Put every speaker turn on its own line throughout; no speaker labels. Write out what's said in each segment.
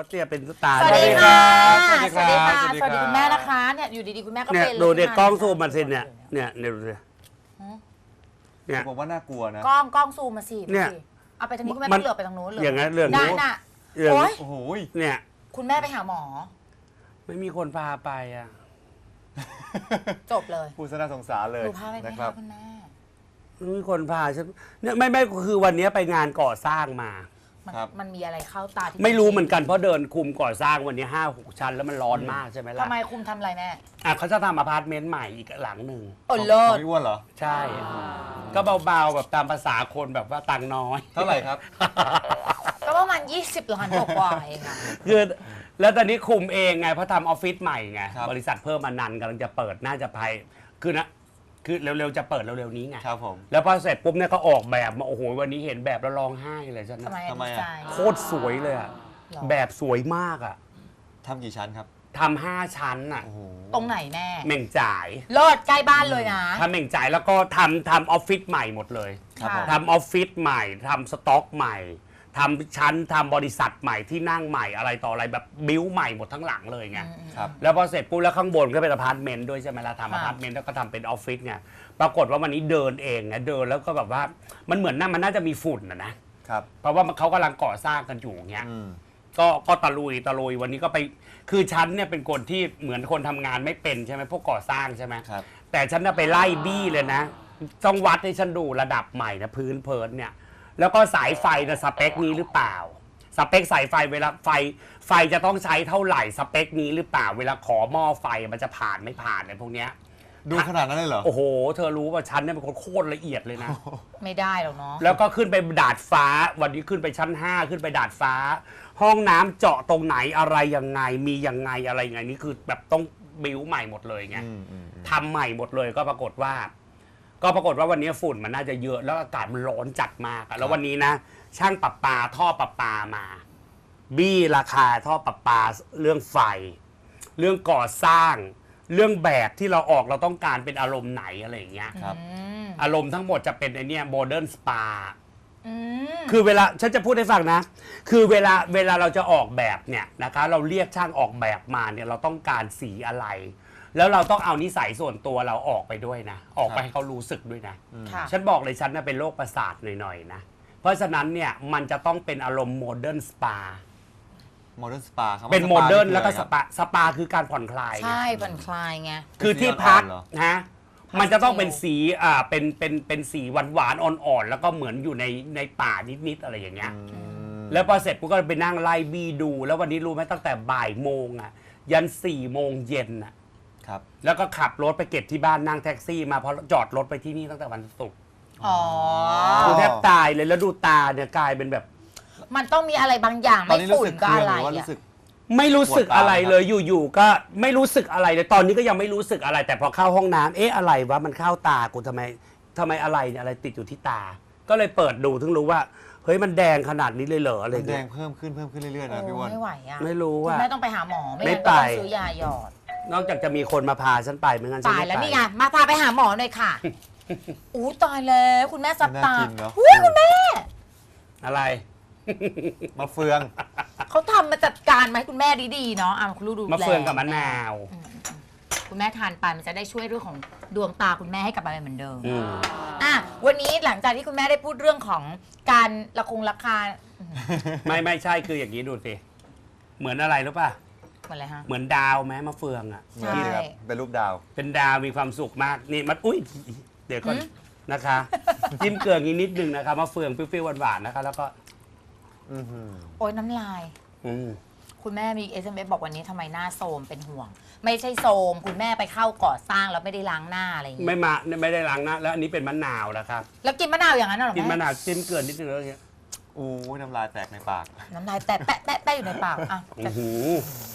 เตี้ยเป็นตา
สวัสดีค่ะสวัสดี
สวัสดี
ค่ะ
ครับ
สวัสดีคุณแม่นะคะเนี่ยอยู่ดีๆคุณแม่ก็
เนี่ย
เป็น
ดูเด็กกล้องซูม
มา
มาสิเนี่ยดูสิเนี่ย
ผมว่าน่ากลัวนะ
กล้องซูมมาสิ
เนี่ย
เอาไปทางนี้คุณแม่
มัน
ไม่เหลือบไปทางโน้นเลย
อย่างนั้นเรื่อง
นั่
นู้
น
น
น่ะ
เรื่อง
โอ๊ย
โอ้โห
เนี่ย
คุณแม่ไปหาหมอ
ไม่มีคนพาไปอ่ะ
จบเลย
ผู้สน่าสงสารเลย
ดูภาพไปไหม
นะค
คะ
รับ
คุณแม่
ไม่มีคนพาฉันเนี่ยไม่คือวันนี้ไปงานก่อสร้างมา
มันมีอะไรเข้าตาที่
ไม่รู้เหมือนกันเพราะเดินคุมก่อสร้างวันนี้5-6 ชั้นแล้วมันร้อนมากใช่ไหมล่ะ
ทำไมคุมทำอะไรแม่
อ่ะเขาจะทำอพาร์ตเมนต์ใหม่อีกหลังหนึ่ง
โอ้เลิ
ข
ศ
องพี่อ้วนเหรอ
ใช่ ก็เบาๆแบบตามภาษาคนแบบว่าตังค์น้อย
เท่าไหร่ครับ
ก็ประมาณ20 ล้านกว่าเองค่ะ
คือแล้วตอนนี้คุมเองไงเพราะทำออฟฟิศใหม่ไง
ครับ
บริษัทเพิ่มมานันกำลังจะเปิดน่าจะภายคือเร็วๆจะเปิดเร็วๆนี้ไง
ครับผม
แล้วพอเสร็จปุ๊บเนี่ยก็ออกแบบมาโอ้โหวันนี้เห็นแบบแล้วร้องไห้เลยฉัน
ทำไม
นะ
ทำไม
ดี
อะ
ใจ
โคตรสวยเลยอะ
หรอ
แบบสวยมากอะ
ทำกี่ชั้นครับ
ทำ5 ชั้นอะ
โอ้โห
ตรงไหนแม่
เหม่งจ่าย
เลิศใกล้บ้านเลยนะ
ทำเหม่งจ่ายแล้วก็ทำออฟฟิศใหม่หมดเลย
ครับผม
ทำออฟฟิศใหม่ทำสต็อกใหม่ทำชั้นทำบริษัทใหม่ที่นั่งใหม่อะไรต่ออะไรแบบบิ้วใหม่หมดทั้งหลังเลยไง
ครับ
แล้วพอเสร็จปุ๊บแล้วข้างบนก็เป็นอพาร์ตเมนต์ด้วยใช่ไหมล่ะทำอ
ค่ะ
พาร์ตเมนต์แล้วก็ทำเป็นออฟฟิศไงปรากฏว่าวันนี้เดินเองไงเดินแล้วก็แบบว่ามันเหมือนมันน่าจะมีฝุ่นนะครับ เพราะว่าเขากำลังก่อสร้างกันอยู่เงี้ย
อืม
ก็ตะลุยวันนี้ก็ไปคือฉันเนี่ยเป็นคนที่เหมือนคนทำงานไม่เป็นใช่ไหมพวกก่อสร้างใช่ไหม
ครับ
แต่ฉันน่ะไปไล่บี้เลยนะต้องวัดให้ฉันดูระดับใหม่นะพื้นเพิร์นเนี่ยแล้วก็สายไฟนะสเปคนี้หรือเปล่าสเปคสายไฟเวลาไฟจะต้องใช้เท่าไหร่สเปคนี้หรือเปล่าเวลาขอหม้อไฟมันจะผ่านไม่ผ่านอะไรพวกเนี้ย
ดูขนาดนั้นเลยเหรอ
โอ้โหเธอรู้ว่าฉันเนี่ยเป็นคนโคตรละเอียดเลยนะ
ไม่ได้หรอกเนาะ
แล้วก็ขึ้นไปดาดฟ้าวันนี้ขึ้นไปชั้น 5 ขึ้นไปดาดฟ้า ห้องน้ำเจาะตรงไหนอะไรยังไงมียังไงอะไรยังไงนี่คือแบบต้องบิวใหม่หมดเลยไง ทำใหม่หมดเลยก็ปรากฏว่าวันนี้ฝุ่นมันน่าจะเยอะแล้วอากาศมันร้อนจัดมากอะแล้ววันนี้นะ ช่างประปาท่อประปามา บี้ราคาท่อประปาเรื่องไฟ เรื่องก่อสร้าง เรื่องแบบที่เราออกเราต้องการเป็นอารมณ์ไหนอะไรอย่างเงี้ย
ครับ
อารมณ์ทั้งหมดจะเป็นไอเนี้ยโมเดิร์นสปา
อืม
คือเวลาฉันจะพูดให้ฟังนะ คือเวลาเราจะออกแบบเนี่ยนะคะเราเรียกช่างออกแบบมาเนี่ยเราต้องการสีอะไร แล้วเราต้องเอานิสัยส่วนตัวเราออกไปด้วยนะ ออกไปให้เขารู้สึกด้วยนะ
ค่ะ
ฉันบอกเลยฉันน่ะเป็นโรคประสาทหน่อยๆนะ เพราะฉะนั้นเนี่ยมันจะต้องเป็นอารมณ์โมเดิร์นสปา
โมเดิร์นสปาครับ
เป็นโมเดิร์นแล้วก็
คือ
ส
อะไรครับ
ปา สปาคือการผ่อนคลายไง
ใช่ผ่อนคลายไง
คือที่พัก
สีอ่อนๆเหรอ
นะ มันจะต้องเป็นสีเป็นสีหวานๆอ่อนๆแล้วก็เหมือนอยู่ในป่านิดๆอะไรอย่างเงี้ย แล้วพอเสร็จกูก็ไปนั่งไล่บีดู แล้ววันนี้รู้ไหมตั้งแต่บ่ายโมงอ่ะยัน4 โมงเย็นอ่ะ
ครับ
แล้วก็ขับรถไปเก็บที่บ้านนั่งแท็กซี่มาเพราะจอดรถไปที่นี่ตั้งแต่วันศุกร์
อ๋อ
กูแทบตายเลยแล้วดูตาเนี่ยกลายเป็นแบบ
มันต้องมีอะไรบางอย่าง
ตอน
ไม่
นี้รู้
ฝุ่น
สึก
ก็
เครีย
อะ
ด
ไร
หรือว่า
อะ
รู้สึก
ไม่รู้สึก
ปวดตา
อะไร
ไหมครับ
เลยอยู่ๆก็ไม่รู้สึกอะไรเลยตอนนี้ก็ยังไม่รู้สึกอะไร แต่พอเข้าห้องน้ำเอ๊ะอะไรวะมันเข้าตากูทำไมอะไรเนี่ยอะไรติดอยู่ที่ตา ก็เลยเปิดดูถึงรู้ว่าเฮ้ยมันแดงขนาดนี้เลยเหรออะไร
มันแด
เงี้
ง
ย
เพิ่มขึ้นเรื่อยๆนะพี่อ้
โอ้
วน
ไม่ไหวอะ
ไม่รู้
คุณ
ว่า
แม่ต้องไปหาหมอไม่
ไม่
งั้นก็ต้อง
ไป
ซื้อยาหยอด
นอกจากจะมีคนมาพาฉันไปไม่งั้นฉัน
ตาย
ไม่
แล้ว
ไป
นี่ไงมาพาไปหาหมอหน่อยค่ะ อู้ตายแล้วคุณแม่ซับตา
น่ากินเนอะ
อุ้ยคุณแม่
อะไร
มะเฟือง
เขาทำมาจัดการมาให้คุณแม่ดีๆเนาะอ่ะคุณลูกดู
มะเฟืองกับมะนาว
คุณแม่ทานไปมันจะได้ช่วยเรื่องของดวงตาคุณแม่ให้กลับมาเป็นเหมือนเดิม
อืม
อ่ะวันนี้หลังจากที่คุณแม่ได้พูดเรื่องของการราคา
ไม่ใช่คืออย่างนี้ดูสิเหมือนอะไรรู้ป่ะ
เหมือนอะไรฮะ
เหมือนดาวไหมมะเฟืองอ่ะ
ใช่
นี่ครับ เป็นรูปดาว
เป็นดาวมีความสุขมากนี่มันอุ้ยเดี๋ยวก่อน
หืม
นะคะ จิ้มเกลืออีกนิดนึงนะคะมะเฟืองเปรี้ยวๆหวานๆนะคะ แล้วก็
อื้อหือ
โอ้ยน้ำลาย
อืม
คุณแม่มี SMS บอกวันนี้ทำไมหน้าโทรมเป็นห่วง ไม่ใช่โทรมคุณแม่ไปเข้าก่อสร้างแล้วไม่ได้ล้างหน้าอะไรอย่างเงี้ย
ไม่ได้ล้างหน้าแล้วอันนี้เป็นมะนาวนะครับ
แล้วกินมะนาวอย่างนั้นเหรอ
กินมะ
แม่
นาวจิ้มเกลือนิดนึงแล้วอย่างเงี้ย
โอ้ยน้ำลายแตกในปาก
น้ำลายแตะแปะแปะแปะอยู่ในปากอ่ะ
อื้อหือ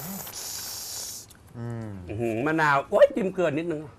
อืม
อื้อหือมะนาวโอ้ยจิ้มเกลือนิดนึง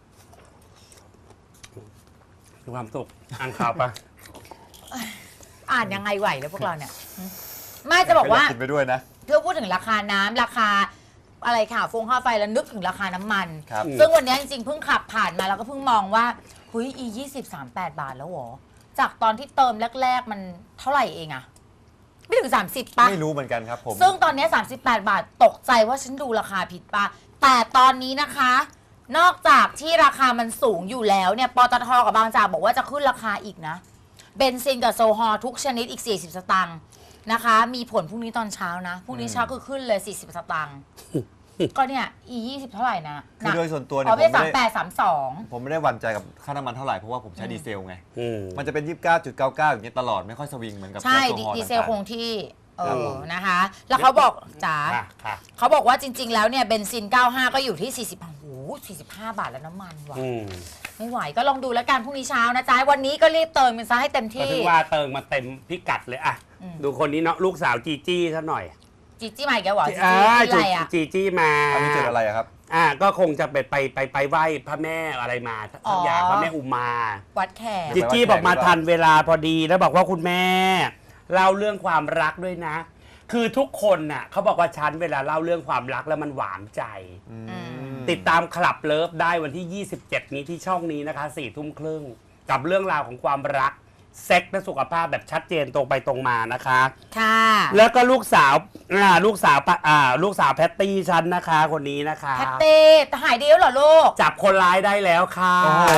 มีความสุขอ่านข่าวปะ
อ่านยังไงไหวแล้วพวกเราเนี่ยไม่จะบอกว่า
กินไปด้วยนะ
เพื่อพูดถึงราคาน้ำราคาอะไรค่ะฟงค่าไฟแล้วนึกถึงราคาน้ำมัน
ครับ
ซึ่งวันนี้จริงๆเพิ่งขับผ่านมาแล้วก็เพิ่งมองว่าเฮ้ย20 38 บาทแล้วเหรอจากตอนที่เติมแรกๆมันเท่าไหร่เองอะไม่ถึง 30 ป่ะ
ไม่รู้เหมือนกันครับผม
ซึ่งตอนนี้ 38 บาทตกใจว่าฉันดูราคาผิดป่ะ แต่ตอนนี้นะคะ นอกจากที่ราคามันสูงอยู่แล้วเนี่ยปตทกับบางจากบอกว่าจะขึ้นราคาอีกนะเบนซินกับโซฮอลทุกชนิดอีก40 สตางค์นะคะ มีผลพรุ่งนี้ตอนเช้านะพรุ่งนี้เช้าคือขึ้นเลย40 สตางค์ก็เนี่ย20เท่าไหร่นะ
คือโดยส่วนตัวเนี่ย
อ๋อ
ผม
เป็น
ไม่ได้
3832
ผมไม่ได้หวั่นใจกับค่าน้ำมันเท่าไหร่เพราะว่าผมใช้ดีเซลไง
อืม
มันจะเป็น 29.99 อย่างเงี้ยตลอดไม่ค่อยสวิงเหมือนกับ
ใช่
แก๊สโซฮอล์
ดีเซล
ต่างๆ
คงที่
ครับผม
นะคะ แล้วเขาบอกจ๋า
ค่ะ
เขาบอกว่าจริง ๆ แล้วเนี่ยเบนซิน 95 ก็อยู่ที่ 40 โอ้โห 45 บาทแล้วน้ำมันว่ะ
อืม
ไม่ไหวก็ลองดูแล้วกันพรุ่งนี้เช้านะจ๊ะ วันนี้ก็รีบเติมมันซะให้เต็ม
ก็
ที่
ถึงว่าเติมมาเต็มพิกัดเลยอะ
อืม
ดูคนนี้เนาะลูกสาวจีจี้ซะหน่อย
จีจี้มาอีกแล้วเหรอจีจี้อะไรอ่ะ
จีจี้มา
อันนี้เจออะไรอะครับ
ก็คงจะไปไหว้พระแม่อะไรมาสักอย่างพระแม่อุมา
วัดแขก
จีจี้บอกมาทันเวลาพอดีแล้วบอกว่าคุณแม่เล่าเรื่องความรักด้วยนะ คือทุกคนน่ะเขาบอกว่าฉันเวลาเล่าเรื่องความรักแล้วมันหวานใจ ติดตามคลับเลิฟได้วันที่ 27 นี้ที่ช่องนี้นะคะ 4 ทุ่มครึ่งกับเรื่องราวของความรักเซ็กและสุขภาพแบบชัดเจนตรงไปตรงมานะคะ
ค่ะ
แล้วก็ลูกสาวลูกสาวแพตตี้ฉันนะคะ คนนี้นะคะ
แพตเต้หายดีแล้วเหรอลูก
จับคนร้ายได้แล้วค่ะ
โอ้โห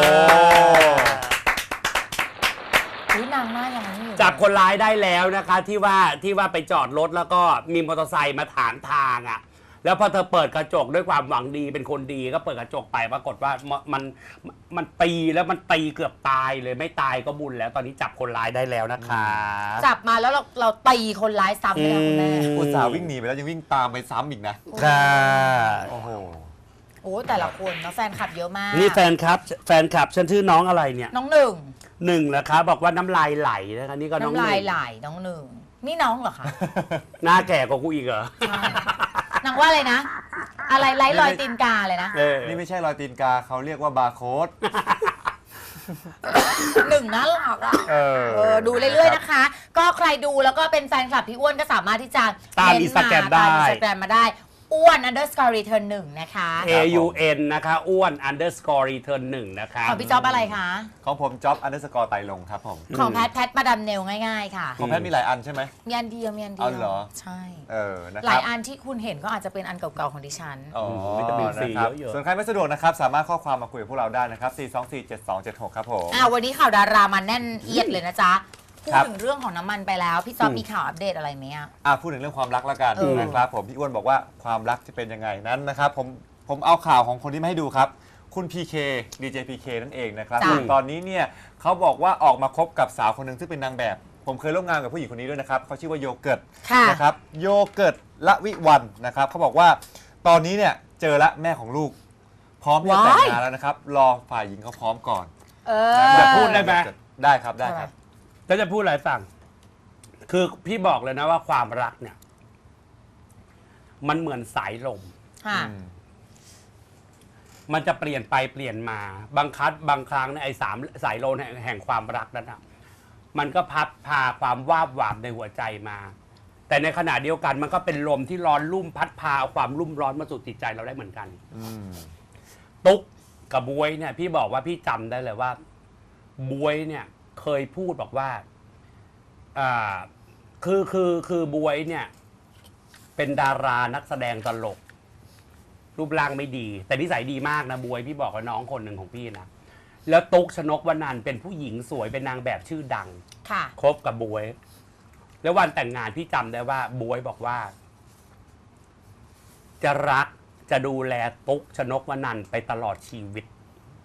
อุ๊ยนางหน้ายังนี่อยู่
จับคนร้ายได้แล้วนะคะที่ว่าไปจอดรถแล้วก็มีมอเตอร์ไซค์มาถามทางอ่ะแล้วพอเธอเปิดกระจกด้วยความหวังดีเป็นคนดีก็เปิดกระจกไปปรากฏว่ามันตีแล้วมันตีเกือบตายเลยไม่ตายก็บุญแล้วตอนนี้จับคนร้ายได้แล้วนะคะ
จับมาแล้วเราตีคนร้ายซ้ำเลยนะคุณแม่
อุตส่าห์วิ่งหนีไปแล้วยังวิ่งตามไปซ้ำอีกนะ
ค่ะ
โอ้โห
โอ้แต่ละคนเนาะแฟนคลับเยอะมาก
นี่แฟนคลับฉันชื่อน้องอะไรเนี่ย
น้องหนึ่ง
หนึ่งเหรอคะบอกว่าน้ำลายไหลนะคะนี่ก็น้อง
น้ำ
ห
ลาย
นึ่ง
ไหลน้องหนึ่งนี่น้องเหรอคะ
หน้าแก่กว่ากูอีกเหรอ
ใช่นางว่าอะไรนะ อะไรไร้รอยตีนกาเลยนะ
นี่ไม่ใช่รอยตีนกาเขาเรียกว่าบาร์โค้ด
หนึ่งน่ารักอ่ะดูเรื่อยๆนะคะ ก็ใครดูแล้วก็เป็นแฟนคลับพี่อ้วนก็สามารถที่จะ
ตาม
เน
อินสตาแกรมได้
ตามอินสตาแกรมมาได้อ้วน underscore return 1นะคะ
AUN นะคะอ้วน underscore return 1นะคะ
ของพี่จ๊อบอะไรคะ
ของผมจ็อบอันเดอร์สกอร์ไตรลงครับผม
ของแพทมาดามเนลง่ายๆค่ะ
ของแพทย์มีหลายอันใช่ไหม
มีอันเดียวมีอันเดี
เอา
ยว
เหรอ
ใช่
นะ
ห
ค
ลา
รั
ย
บ
อันที่คุณเห็นก็อาจจะเป็นอันเก่าๆของดิฉัน
อ๋อ
วิตามินซี
นะครับ
เยอะๆ
ส่วนใครไม่สะดวกนะครับ สามารถข้อความมาคุยกับพวกเราได้นะครับ 4247276 ครับผม
วันนี้ข่าวดารามาแน่นเอียดเลยนะจ๊ะ พูด
ครับ
ถึงเรื่องของน้ำมันไปแล้ว พี่จ๊อบมีข่าวอัปเดตอะไรไหมอะ
พูดถึงเรื่องความรักแล้วกัน
เออ
นะครับผมพี่อ้วนบอกว่าความรักจะเป็นยังไงนั้นนะครับผมเอาข่าวของคนที่มาให้ดูครับ คุณ PK DJ PK นั่นเองนะครับ
จ้ะ
ตอนนี้เนี่ยเขาบอกว่าออกมาคบกับสาวคนหนึ่งซึ่งเป็นนางแบบ ผมเคยร่วมงานกับผู้หญิงคนนี้ด้วยนะครับเขาชื่อว่าโยเกิร์ต
ค่ะ
นะครับโยเกิร์ตละวิวันนะครับเขาบอกว่าตอนนี้เนี่ยเจอละแม่ของลูก พร้อมที่จะแต่งงานแล้วนะครับรอฝ่ายหญิงเขาพร้อมก่อน
อย่าพูดได้ไหม
ได้ครับได้ครับ
แล้วจะพูดอะไรให้ฟัง คือพี่บอกเลยนะว่าความรักเนี่ย มันเหมือนสายลม
ค่ะ
มันจะเปลี่ยนไปเปลี่ยนมา บางครั้งเนี่ยไอ้สายลมแห่งความรักนั้นนะมันก็พัดพาความวาบหวามในหัวใจมา แต่ในขณะเดียวกันมันก็เป็นลมที่ร้อนรุ่มพัดพาเอาความรุ่มร้อนมาสู่จิตใจเราได้เหมือนกัน ตุ๊กกับบวยเนี่ย พี่บอกว่าพี่จำได้เลยว่าบวยเนี่ย เคยพูดบอกว่าคือบวยเนี่ย เป็นดารานักแสดงตลก รูปร่างไม่ดี แต่นิสัยดีมากนะบวยพี่บอกกับน้องคนหนึ่งของพี่นะแล้วตุ๊กชนกวนันท์เป็นผู้หญิงสวยเป็นนางแบบชื่อดัง
ค่ะ
คบกับบวย แล้ววันแต่งงานพี่จำได้ว่าบวยบอกว่า จะรักจะดูแลตุ๊กชนกวนันท์ไปตลอดชีวิต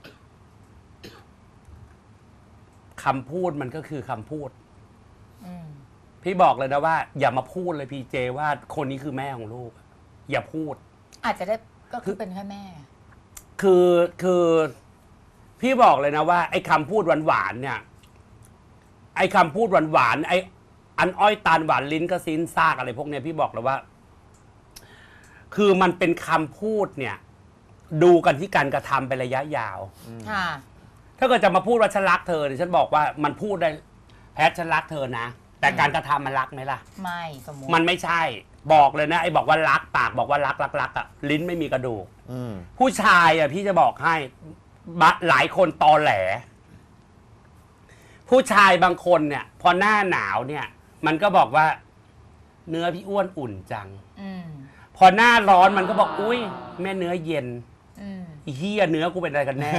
คำพูดมันก็คือคำพูด พี่บอกเลยนะว่า อย่ามาพูดเลยพีเจว่าคนนี้คือแม่ของลูก อย่าพูด
อาจจะได้ก็คือเป็นแค่แม่
คือพี่บอกเลยนะว่า ไอ้คำพูดหวานๆเนี่ย ไอ้คำพูดหวานๆไอ้อันอ้อยตาลหวานลิ้นก็ซิ้นซากอะไรพวกเนี้ยพี่บอกเลยว่า คือมันเป็นคำพูดเนี่ย ดูกันที่การกระทำเป็นระยะยาว
ค่ะ
ถ้าเกิดจะมาพูดว่าฉันรักเธอเนี่ยฉันบอกว่ามันพูดได้แพทฉันรักเธอนะแต่การกระทำมันรักไหมล่ะ
ไม่สมมติ
มันไม่ใช่ บอกเลยนะไอ้บอกว่ารักปากบอกว่ารักอ่ะลิ้นไม่มีกระดูกผู้ชายอ่ะพี่จะบอกให้หลายคนตอแหล ผู้ชายบางคนเนี่ย พอหน้าหนาวเนี่ย มันก็บอกว่าเนื้อพี่อ้วนอุ่นจัง
อืม
พอหน้าร้อนมันก็บอกอุ้ยแม่เนื้อเย็น
อืม
อีเหี้ยเนื้อกูเป็นอะไรกันแน่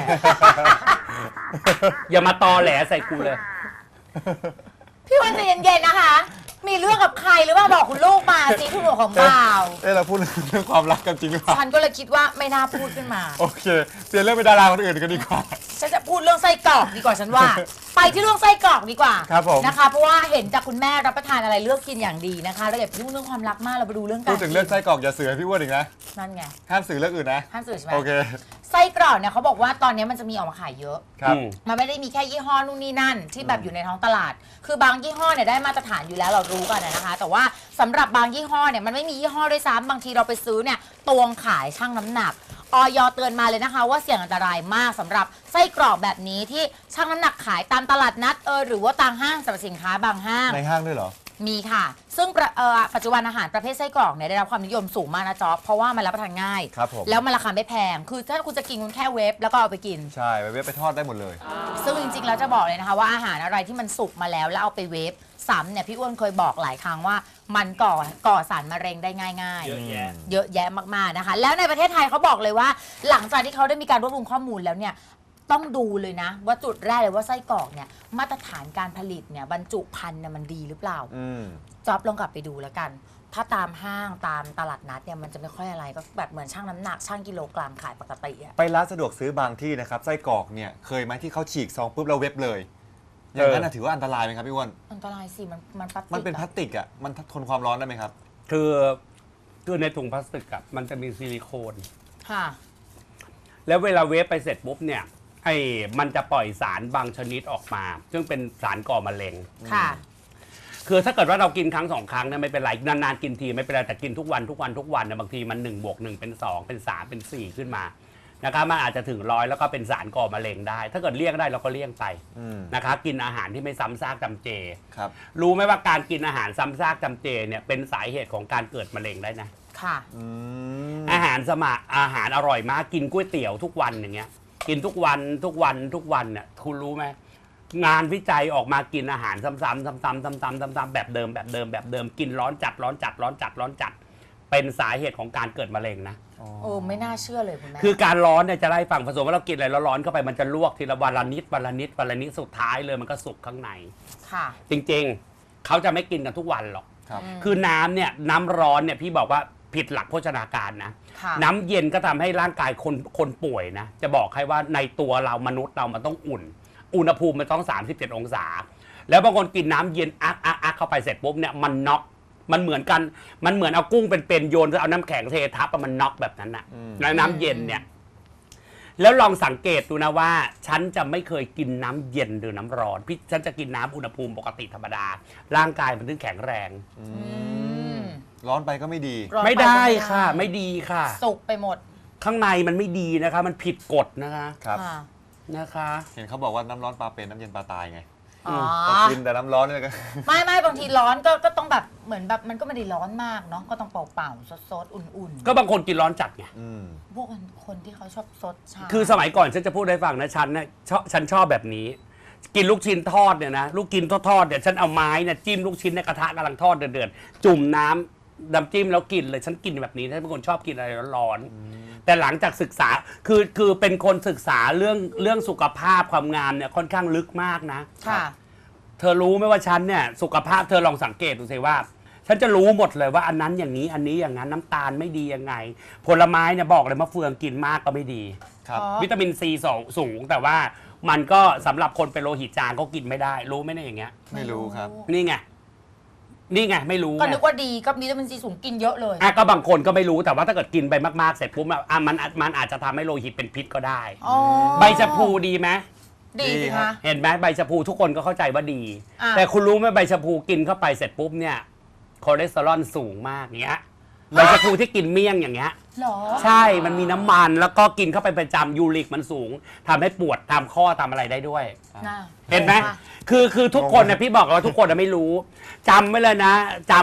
อย่ามาตอแหลใส่กูเลย
พี่อ้วนใจเย็นๆนะคะ มีเรื่องกับใครหรือเปล่าบอกคุณลูกมาสิคุณหัวของบ่าว
เราพูดเรื่องความรักกันจริงหรือเปล่า
ฉันก็เลยคิดว่าไม่น่าพูดขึ้นมา
โอเคเปลี่ยนเรื่องเป็นดาราคนอื่นกันดีกว่า
ฉันจะพูดเรื่องไส้กรอกดีกว่าฉันว่า ไปที่เรื่องไส้กรอกดีกว่า
ครับผม
นะคะ เพราะว่าเห็นจากคุณแม่รับประทานอะไรเลือกกินอย่างดีนะคะเราอย่าไปยุ่งเรื่องความรักมากเราไปดูเรื่องการ
พูดถึงเรื่องไส้กรอกอย่าเสือพี่อ้วนอีกนะ
นั่นไง
ห้ามสื่อเรื่องอื่นนะ
ห้ามสื่อใช่ไหม
โอเค
ไส้กรอกเนี่ยเขาบอกว่าตอนนี้มันจะมีออกมาขายเยอะ
ครับ
มันไม่ได้มีแค่ยี่ห้อนู่นนี่นั่นที่แบบอยู่ในท้องตลาด คือบางยี่ห้อเนี่ยได้มาตรฐานอยู่แล้วเรารู้กันนะคะ แต่ว่าสำหรับบางยี่ห้อเนี่ยมันไม่มียี่ห้อด้วยซ้ำบางทีเราไปซื้อเนี่ยตวงขายชั่งน้ำหนักอย.เตือนมาเลยนะคะว่าเสี่ยงอันตรายมากสำหรับไส้กรอกแบบนี้ที่ชั่งน้ำหนักขายตามตลาดนัดหรือว่าตามห้างสรรพสินค้าบางห้าง
ในห้างด้วยเหรอ
มีค่ะ ซึ่งปัจจุบันอาหารประเภทไส้กรอกเนี่ยได้รับความนิยมสูงมากนะจ๊อบเพราะว่ามันรับประทานง่าย
ครับผม
แล้วมันราคาไม่แพง คือถ้าคุณจะกินคุณแค่เวฟแล้วก็เอาไปกิน
ใช่ไปเว็บไปทอดได้หมดเลย
ซึ่งจริงๆแล้วจะบอกเลยนะคะว่าอาหารอะไรที่มันสุกมาแล้วแล้วเอาไปเวฟซ้ำเนี่ยพี่อ้วนเคยบอกหลายครั้งว่ามันก่อสารมะเร็งได้ง่ายๆ
เยอะแยะ
เยอะแยะมากๆนะคะ แล้วในประเทศไทยเขาบอกเลยว่า หลังจากที่เขาได้มีการรวบรวมข้อมูลแล้วเนี่ยต้องดูเลยนะว่าจุดแรกเลยว่าไส้กรอกเนี่ยมาตรฐานการผลิตเนี่ยบรรจุภัณฑ์เนี่ยมันดีหรือเปล่า จ๊อบลองกลับไปดูแล้วกัน ถ้าตามห้างตามตลาดนัดเนี่ยมันจะไม่ค่อยอะไรก็แบบเหมือนชั่งน้ำหนักชั่งกิโลกรัมขายปกติอะ
ไปร้านสะดวกซื้อบางที่นะครับไส้กรอกเนี่ยเคยไหมที่เขาฉีกซองปุ๊บแล้วเว็บเลย อย่างนั้นนะถือว่าอันตรายไหมครับพี่อ้วน
อันตรายสิมันพลาสติก
มันเป็นพลาสติกอ่ะมันทนความร้อนได้ไหมครับ
คือในถุงพลาสติกอะมันจะมีซิลิโคน
ค่ะ
แล้วเวลาเวฟไปเสร็จปุ๊บเนี่ยมันจะปล่อยสารบางชนิดออกมา ซึ่งเป็นสารก่อมะเร็ง
ค่ะ
คือถ้าเกิดว่าเรากินครั้งสองครั้งเนี่ยไม่เป็นไรนานๆกินทีไม่เป็นไรแต่กินทุกวันเนี่ยบางทีมัน1 บวก 1เป็น2เป็น3เป็น4ขึ้นมานะครับมันอาจจะถึง100แล้วก็เป็นสารก่อมะเร็งได้ ถ้าเกิดเลี่ยงได้เราก็เลี่ยงไปนะคะกินอาหารที่ไม่ซ้ำซากจำเจ
ครับ
รู้ไหมว่าการกินอาหารซ้ำซากจำเจเนี่ยเป็นสาเหตุของการเกิดมะเร็งได้นะ
ค่ะ
อาหารอร่อยมากกินก๋วยเตี๋ยวทุกวันอย่างเงี้ยกินทุกวันเนี่ยคุณรู้ไหมงานวิจัยออกมากินอาหารซ้ำๆแบบเดิมกินร้อนจัดเป็นสาเหตุของการเกิดมะเร็งนะ
โอ้ไม่น่าเชื่อเลยคุณแม่
คือการร้อนเนี่ยจะไล่ฝั่งผสมว่าเรากินอะไรแล้วร้อนเข้าไปมันจะลวกทีละวันละนิดสุดท้ายเลยมันก็สุกข้างใน
ค่ะ
จริงๆเขาจะไม่กินกันทุกวันหรอก
ครับ
คือน้ำเนี่ยน้ำร้อนเนี่ยพี่บอกว่าผิดหลักโภชนาการนะ
ค่ะ
น้ำเย็นก็ทำให้ร่างกายคนป่วยนะจะบอกให้ว่าในตัวเรามนุษย์เรามันต้องอุ่น อุณหภูมิมันต้อง37องศาแล้วบางคนกินน้ำเย็นอักเข้าไปเสร็จปุ๊บเนี่ยมันน็อกมันเหมือนเอากุ้งเป็นโยนแล้วเอาน้ำแข็งเททับมันน็อกแบบนั้นนะน้ำเย็นเนี่ยแล้วลองสังเกตดูนะว่าฉันจะไม่เคยกินน้ำเย็นหรือน้ำร้อนฉันจะกินน้ำอุณหภูมิปกติธรรมดาร่างกายมันถึงแข็งแรง
ร้อนไปก็ไม่ดี
ร้อนป
ไม่ได้
ก็
ค่ะไม่ดีค่ะ
สุกไปหมด
ข้างในมันไม่ดีนะคะมันผิดกฎนะคะ
ครับ
ค่ะ
นะคะ
เห็นเขาบอกว่าน้ำร้อนปลาเป็นน้ำเย็นปลาตายไง
อ๋อ
ก็กินแต่น้ำร้อนเนี่ยก็
ไม่บางทีร้อนก็ต้องแบบเหมือนแบบมันก็ไม่ได้ร้อนมากเนาะก็ต้องเป่าๆซดๆอุ่น
ก็บางคนกินร้อนจัดไง
ๆพวกคนที่เขาชอบซดชา
คือสมัยก่อนฉันจะพูดให้ฟังนะฉันชอบแบบนี้ กินลูกชิ้นทอดเนี่ยนะลูกกินทอดเนี่ยฉันเอาไม้เนี่ยจิ้มลูกชิ้นในกระทะกำลังทอดเดือดๆจุ่มน้ำจิ้มแล้วกินเลยฉันกินแบบนี้ฉันเป็นคนชอบกินอะไรร้อนๆแต่หลังจากศึกษาคือเป็นคนศึกษาเรื่องสุขภาพความงามเนี่ยค่อนข้างลึกมากนะ
ค่ะ
เธอรู้ไหมว่าฉันเนี่ยสุขภาพเธอลองสังเกตดูสิว่า ฉันจะรู้หมดเลยว่าอันนั้นอย่างนี้อันนี้อย่างนั้นน้ำตาลไม่ดียังไง ผลไม้เนี่ยบอกเลยมะเฟืองกินมากก็ไม่ดี
ครับ
อ๋อ
วิตามินซีสูงแต่ว่ามันก็สำหรับคนเป็นโลหิตจางก็กินไม่ได้รู้ไหมเนี่ยอย่างเงี้ย
ไม่รู้ครับ
นี่ไงไม่รู้
ก็
ไง
นึกว่าดีก็วิตามินซีสูงกินเยอะเลย
ก็บางคนก็ไม่รู้แต่ว่าถ้าเกิดกินไปมากๆเสร็จปุ๊บมันอาจจะทำให้โลหิตเป็นพิษก็ได้
อ๋อ
ใบชะพูดีไหม
ดี
ดี
สิ
ครั
คะ
บ
เห็นไหมใบชะพูทุกคนก็เข้าใจว่าดี
อ่ะ
แต่คุณรู้ไหมใบชะพูกินเข้าไปเสร็จปุ๊บเนี่ยคอเลสเตอรอลสูงมากเงี้ยใบชะพูที่กินเมี่ยงอย่างเงี้ย
หรอ
ใช่มันมีน้ำมันแล้วก็กินเข้าไปประจำยูริกมันสูงทำให้ปวดตามข้อตามอะไรได้ด้วย
น่ะ
เห็นไหมคือทุกคนนะพี่บอกว่าทุกคนนะไม่รู้จำไว้เลยนะ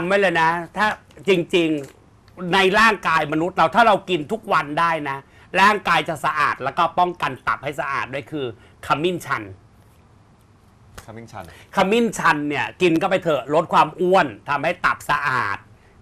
ถ้าจริงๆในร่างกายมนุษย์เราถ้าเรากินทุกวันได้นะ ร่างกายจะสะอาดแล้วก็ป้องกันตับให้สะอาดด้วยคือขมิ้นชัน
คัมมิ่งชัน
ขมิ้นชันเนี่ยกินก็ไปเถอะลดความอ้วนทำให้ตับสะอาด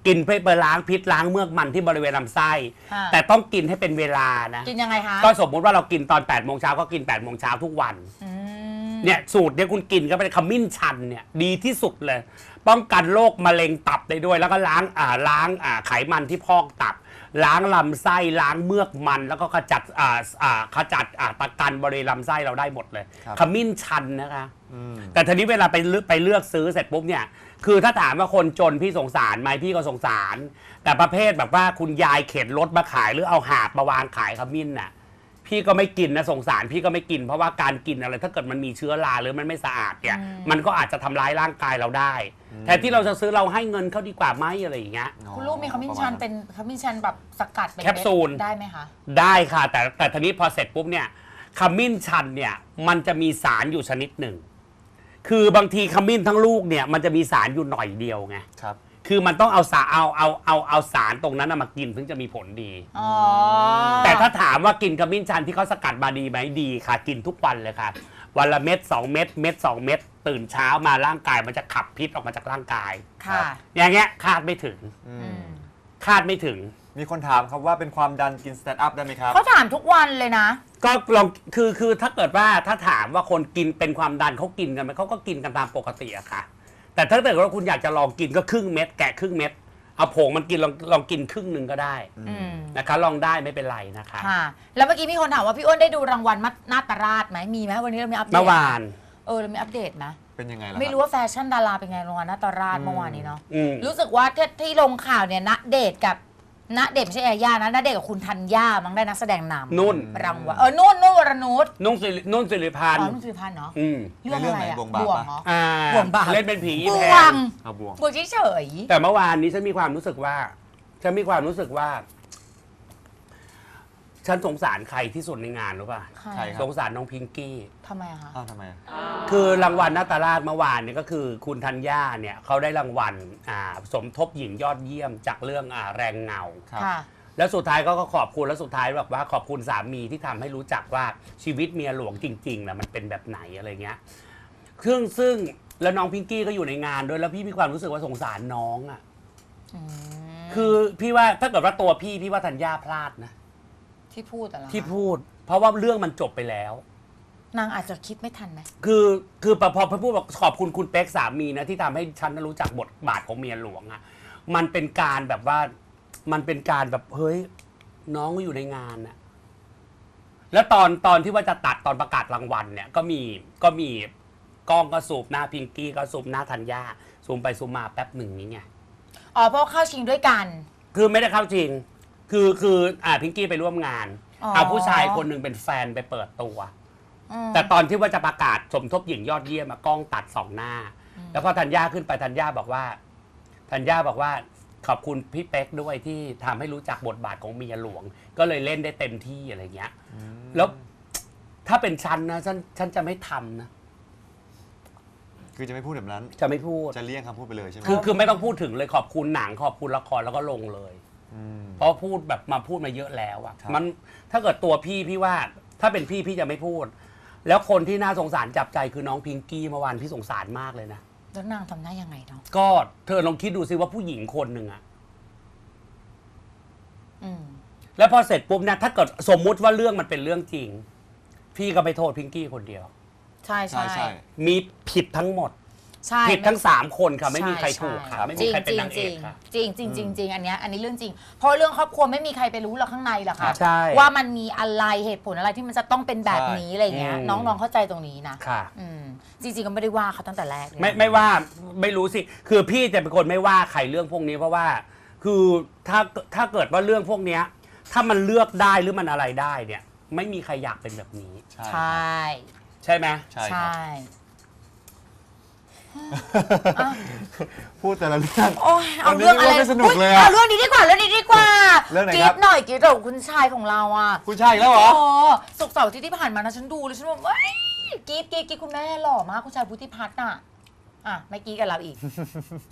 กินเพื่อไปล้างพิษล้างเมือกมันที่บริเวณลำไส้
ค่ะ
แต่ต้องกินให้เป็นเวลานะ
กินยังไงคะ
ก็สมมุติว่าเรากินตอน8 โมงเช้าก็กิน8 โมงเช้าทุกวัน
อืม
เนี่ยสูตรเนี่ยคุณกินก็เป็นขมิ้นชันเนี่ยดีที่สุดเลย ป้องกันโรคมะเร็งตับได้ด้วย แล้วก็ล้างไขมันที่พอกตับ ล้างลำไส้ล้างเมือกมัน แล้วก็ขจัดตะกันบริเวณลำไส้เราได้หมดเลย
ครับ
ขมิ้นชันนะคะ
อืม
แต่ทีนี้เวลาไปเลือกซื้อเสร็จปุ๊บเนี่ย คือถ้าถามว่าคนจนพี่สงสารไหมพี่ก็สงสาร แต่ประเภทแบบว่าคุณยายเข็นรถมาขายหรือเอาหาบมาวางขายขมิ้นน่ะ พี่ก็ไม่กินนะสงสารพี่ก็ไม่กิน เพราะว่าการกินอะไรถ้าเกิดมันมีเชื้อราหรือมันไม่สะอาดเนี่ย มันก็อาจจะทำร้ายร่างกายเราได้แทนที่เราจะซื้อเราให้เงินเขาดีกว่าไหมอะไรอย่างเงี้ย
คุณลูกมีขมิ้นชันเป็นขมิ้นชันแบบสกัดเป็น
แคปซูล
ได้ไหมคะ
ได้ค่ะ แต่ทีนี้พอเสร็จปุ๊บเนี่ยขมิ้นชันเนี่ยมันจะมีสารอยู่ชนิดหนึ่ง คือบางทีขมิ้นทั้งลูกเนี่ยมันจะมีสารอยู่หน่อยเดียวไง
ครับ
คือมันต้องเอาสารตรงนั้นนะมากินถึงจะมีผลดี
อ๋อ
แต่ถ้าถามว่ากินขมิ้นชันที่เขาสกัดมาดีไหมดีค่ะ กินทุกวันเลยค่ะ วันละเม็ด2 เม็ด2 เม็ดตื่นเช้ามาร่างกายมันจะขับพิษออกมาจากร่างกาย
ค่ะ
อย่างเงี้ยคาดไม่ถึง
อื
อื
ม
ม
คาดไม่ถึง
มีคนถามครับว่าเป็นความดันกินสแตนด์อัพได้ไหมครับ
เขาถามทุกวันเลยนะ
ก็ลองคือถ้าเกิดว่าถ้าถามว่าคนกินเป็นความดันเขากินกันไหมเขาก็กินกันตามปกติอะค่ะ แต่ถ้าเกิดว่าคุณอยากจะลองกินก็ครึ่งเม็ดแกะครึ่งเม็ดเอาผงมันกินลองกินครึ่งหนึ่งก็ได้
อืม
นะคะลองได้ไม่เป็นไรนะคะ
ค่ะ แล้วเมื่อกี้มีคนถามว่าพี่อ้นได้ดูรางวัลนาตราชไหมมีไหมวันนี้เรามีอัปเดต
เมื่อวาน
เรามีอัปเดตไหม
เป็นยังไงล่ะ
ไม่รู้ว่าแฟชั่นดาราเป็นไงรางวัลนาตราชเมื่อวานนี้เนาะ
อืม
รู้สึกว่าที่ลงข่าวเนี่ยณเดชน์กับณเดชน์ไม่ใช่ยาย่านะณเดชน์กับคุณธัญญามั้งได้นักแสดงนำ
นุ่น
รางวัลนุ่นวรนุช
นุ่นสิริพัน
อ๋อ
ธ์
นุ่นสุริพันธ์เนาะ
อืม
เรื่องอะไรอะ
ในเรื่องไหน
บ่
บ่
ว
ว
ง
ง
เหรอ
อ่า
บ่วงบาป
เล่นเป็นผี
บ่
แพ
วง
ง
เอาบวง
บ่วงเฉย
แต่เมื่อวานนี้ฉันมีความรู้สึกว่า ฉันสงสารใครที่สุดในงานรู้ป่ะ
ๆใคร
ใคร ครับ
สงสารน้องพิงกี้
ทำไมอะคะ
อ้าวทำไมอะ
คือรางวัลนาตราชเมื่อวานเนี่ยก็คือคุณธัญญาเนี่ยเขาได้รางวัลสมทบหญิงยอดเยี่ยมจากเรื่องแรงเงา
ครับ
ค่ะ
แล้วสุดท้ายก็ขอบคุณแล้วสุดท้ายแบบว่าขอบคุณสามีที่ทำให้รู้จักว่าชีวิตเมียหลวงจริงๆนะมันเป็นแบบไหนอะไรเงี้ยซึ่งแล้วน้องพิงกี้ก็อยู่ในงานด้วยแล้วพี่มีความรู้สึกว่าสงสารน้องอ่ะ
อืม
คือพี่ว่าถ้าเกิดว่าตัวพี่ว่าธัญญาพลาดนะ
ที่พูดอะไรอ
ที่พูด เพราะว่าเรื่องมันจบไปแล้ว
นางอาจจะคิดไม่ทันไหม
คือพอพูดบอกขอบคุณคุณเป๊กสามีนะที่ทำให้ฉันรู้จักบทบาทของเมียหลวงอะมันเป็นการแบบว่ามันเป็นการแบบเฮ้ยน้องก็อยู่ในงานอะแล้วตอนที่ว่าจะตัดตอนประกาศรางวัลเนี่ยก็มีกล้องก็สูบหน้าพิงกี้ก็สูบหน้าธัญญาซูมไปซูมมาแป๊บหนึ่งนี้ไง
อ๋อเพราะเข้าชิงด้วยกัน
คือไม่ได้เข้าจริง คือพิงกี้ไปร่วมงาน
อ๋อ
เอาผู้ชายคนหนึ่งเป็นแฟนไปเปิดตัว
อืม
แต่ตอนที่ว่าจะประกาศสมทบหญิงยอดเยี่ยมอะกล้องตัดสองหน้า แล้วพอธัญญาขึ้นไปธัญญาบอกว่าขอบคุณพี่เป๊กด้วยที่ทำให้รู้จักบทบาทของเมียหลวง ก็เลยเล่นได้เต็มที่อะไรเงี้ย แล้วถ้าเป็นฉันนะฉันจะไม่ทำนะ
คือจะไม่พูดแบบนั้น
จะไม่พูด
จะเลี่ยงคำพูดไปเลยใช่ไหม
คือไม่ต้องพูดถึงเลยขอบคุณหนังขอบคุณละครแล้วก็ลงเลย
ม
เพราะพูดแบบมาพูดมาเยอะแล้วอะ
ครับ
มันถ้าเกิดตัวพี่ว่า ถ้าเป็นพี่จะไม่พูด แล้วคนที่น่าสงสารจับใจคือน้องพิงกี้เมื่อวานพี่สงสารมากเลยนะ
แล้วนางทำได้ยังไงเนาะ
ก็เธอลองคิดดูสิว่าผู้หญิงคนหนึ่งอะ
อืม
แล้วพอเสร็จปุ๊บเนี่ยถ้าเกิดสมมุติว่าเรื่องมันเป็นเรื่องจริง พี่ก็ไปโทษพิงกี้คนเดียว
ใช่
ใช่ใช่
มีผิดทั้งหมด
ใช่
ผิดทั้ง3คนค่ะไม่มีใครถูกค่ะไม่
จ
มี
ริง
ใครเป็น
จริง
นาง
จ
เอ
ริ
ก
ง
ค่ะ
จริงจริงจริงจริงอันนี้เรื่องจริง เพราะเรื่องครอบครัวไม่มีใครไปรู้หรอกข้างในหรอกค่ะ
ใช่
ว่ามันมีอะไรเหตุผลอะไรที่มันจะต้องเป็นแบบนี้อะไรเงี้ย
อืม
น้องๆเข้าใจตรงนี้นะ
ค่ะ
อืมจริงๆก็ไม่ได้ว่าเขาตั้งแต่แรกเลย
ไม่ว่าไม่รู้สิ คือพี่จะเป็นคนไม่ว่าใครเรื่องพวกนี้เพราะว่า คือถ้าเกิดว่าเรื่องพวกเนี้ยถ้ามันเลือกได้หรือมันอะไรได้เนี่ย ไม่มีใครอยากเป็นแบบนี้
ใช่
ใช่
ใช่ไหม
ใช่ครับ
ใช่
พูดแต่ละเรื่อง
โอ้ยเอาเรื่องอะไร
วันนี้ไม่สนุกเลยอะ
เอาเรื่องนี้ดีกว่าเรื่องนี้ดีกว่า
เรื่องไหน
กรี
ครับ
ดหน่อยกรีดกับคุณชายของเราอ่ะ
คุณชายอีกแล้วเหรอ
โอ้ศุกร์เสาร์อาที่ผ่านมานะฉันดูเลยฉันบอกว้ายกรีดคุณแม่หล่อมากคุณชายพุทธิพัฒน์น่ะอ่ะไม่กรีดกับเราอีก เจ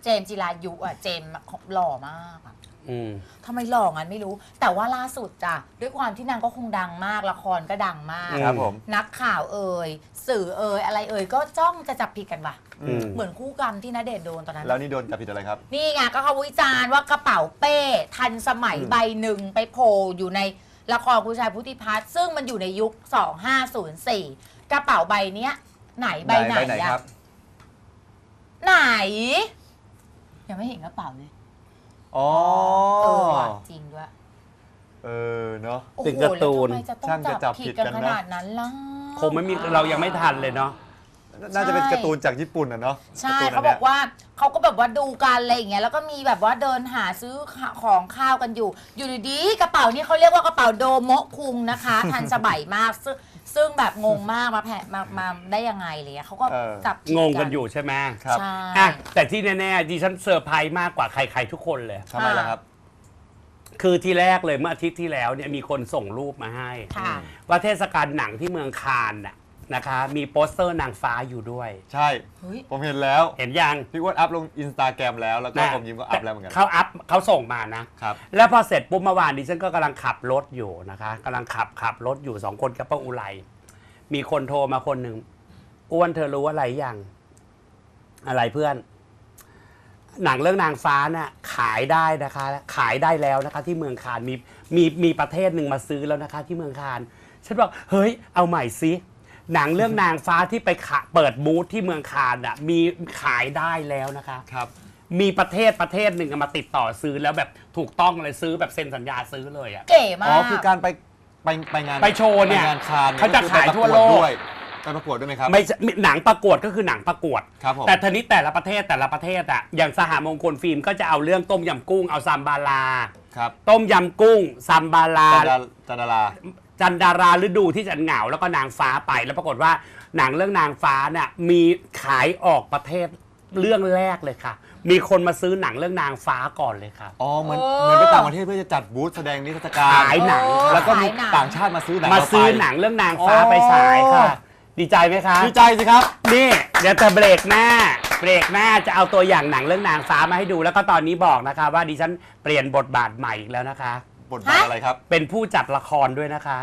มส์จิรายุอ่ะเจมส์หล่อมากอะ
อืม
ทำไมหล่องั้นไม่รู้ แต่ว่าล่าสุดจ้ะด้วยความที่นางก็คงดังมากละครก็ดังมาก
ครับผม
นักข่าวเอ่ยสื่อเอ่ยอะไรเอ่ยก็จ้องจะจับผิดกันว่ะ
อืม
เหมือนคู่กรรมที่ณเดชน์โดนตอนนั้น
แล้วนี่โดนจับผิดอะไรครับ
นี่ไงก็เขาวิจารณ์ว่ากระเป๋าเป้ทันสมัยใบหนึ่งไปโผล่อยู่ในละครคุณชายพุทธิพัฒน์ซึ่งมันอยู่ในยุค 2504 กระเป๋าใบเนี้ยไหนใบไหน
ค
อะ
รับ
ไหน ยังไม่เห็นกระเป๋าเลย
อ๋อ
ว่ะจริงด้วย
เนาะ
โอ้โห
เป็นการ์ตูน
แล้วทำไมจะต้อ
ช่าง
ง
จะจั
จั
บบ ผิ
ผิ
ด
ด
กั
กัน น
นะ
ขนาดนั้นล่ะ
คงไม่มีเรายังไม่ทันเลยเนาะ
น่าจะเป็น
ใช่
การ์ตูนจากญี่ปุ่นนะเนาะ
ใช่
ร์ตูน
เขา
น
บ
นี้
อกว่าเขาก็แบบว่าดูกันอะไรอย่างเงี้ยแล้วก็มีแบบว่าเดินหาซื้อของข้าวกันอยู่ อยู่ดีๆกระเป๋านี่เขาเรียกว่ากระเป๋าโดโมะคุงนะคะ ทันสมัยมากซึ่งแบบงงมากมาได้ยังไงอะไรเลยเขาก็จับผิด
งงกันอยู่ใช่ไหม
ครับ
ใช่
อ่ะแต่ที่แน่ๆดิฉันเซอร์ไพรส์มากกว่าใครๆทุกคนเลย
ทำไมล่ะครับ
คือที่แรกเลยเมื่ออาทิตย์ที่แล้วเนี่ยมีคนส่งรูปมาให้
ค่ะ
ว่าเทศกาลหนังที่เมืองคานน่ะนะคะ มีโปสเตอร์นางฟ้าอยู่ด้วย
ใช่
เฮ้ย
ผมเห็นแล้ว
เห็นยัง
พี่อ้วนอัพลงอินสตาแกรมแล้วก็
นะ
ผมยิ้มก็อัพแล้วเหมือนกัน
เขาส่งมานะ
ครับ
แล้วพอเสร็จปุ๊บเมื่อวานดิฉันก็กำลังขับรถอยู่นะคะกำลังขับรถอยู่สองคนกับป้าอุไรมีคนโทรมาคนหนึ่งอ้วนเธอรู้อะไรยังอะไรเพื่อน หนังเรื่องนางฟ้าน่ะขายได้นะคะ ขายได้แล้วนะคะ ที่เมืองคานมีประเทศหนึ่งมาซื้อแล้วนะคะ ที่เมืองคานฉันบอกเฮ้ยเอาใหม่ซิหนังเรื่องนางฟ้าที่ไปเปิดบูธที่เมืองคานอ่ะมีขายได้แล้วนะคะ
ครับ
มีประเทศหนึ่งมาติดต่อซื้อแล้วแบบถูกต้องเลยซื้อแบบเซ็นสัญญาซื้อเลยอ่ะ
เก๋มาก
อ๋อ คือการไปงาน
ไปโชว์เนี่ย
ไปงานคาน
เขาจะขายทั่วโลก
ไปประกวดด้วยไหมครับ
ไม่ใช่หนังประกวดก็คือหนังประกวด
ครับผม
แต่ทีนี้แต่ละประเทศอ่ะอย่างสหมงคลฟิล์มก็จะเอาเรื่องต้มยำกุ้งเอาซัมบาลา
ครับ
ต้มยำกุ้งซัมบาลา
จันดารา
จันดาราฤดูที่จะเหงาแล้วก็นางฟ้าไปแล้วปรากฏว่าหนังเรื่องนางฟ้าเนี่ยมีขายออกประเทศเรื่องแรกเลยค่ะ มีคนมาซื้อหนังเรื่องนางฟ้าก่อนเลยค่ะ
อ๋อ เหมือนไปต่างประเทศเพื่อจะจัดบูธแสดงนิทรรศการ
ขายหนัง
แล้วก็มี
ขายหนัง
ต่างชาติมาซื้อหนัง
มาซื้อ
เรไป
หนังเรื่องนางฟ้าไปฉายค่ะ ดีใจไหมคะ
ดีใจสิครับ
นี่เดี๋ยวจะเบรกหน้าจะเอาตัวอย่างหนังเรื่องนางฟ้ามาให้ดูแล้วก็ตอนนี้บอกนะคะ ว่าดิฉันเปลี่ยนบทบาทใหม่อีกแล้วนะคะ
บทบาทอะไรครับ
เป็นผู้จัดละครด้วยนะคะ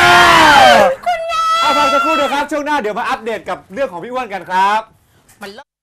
เอาพักสักครู่เดี๋ยวครับ ช่วงหน้าเดี๋ยวมาอัปเดตกับเรื่องของพี่อ้วนกันครับ
มันเลิศ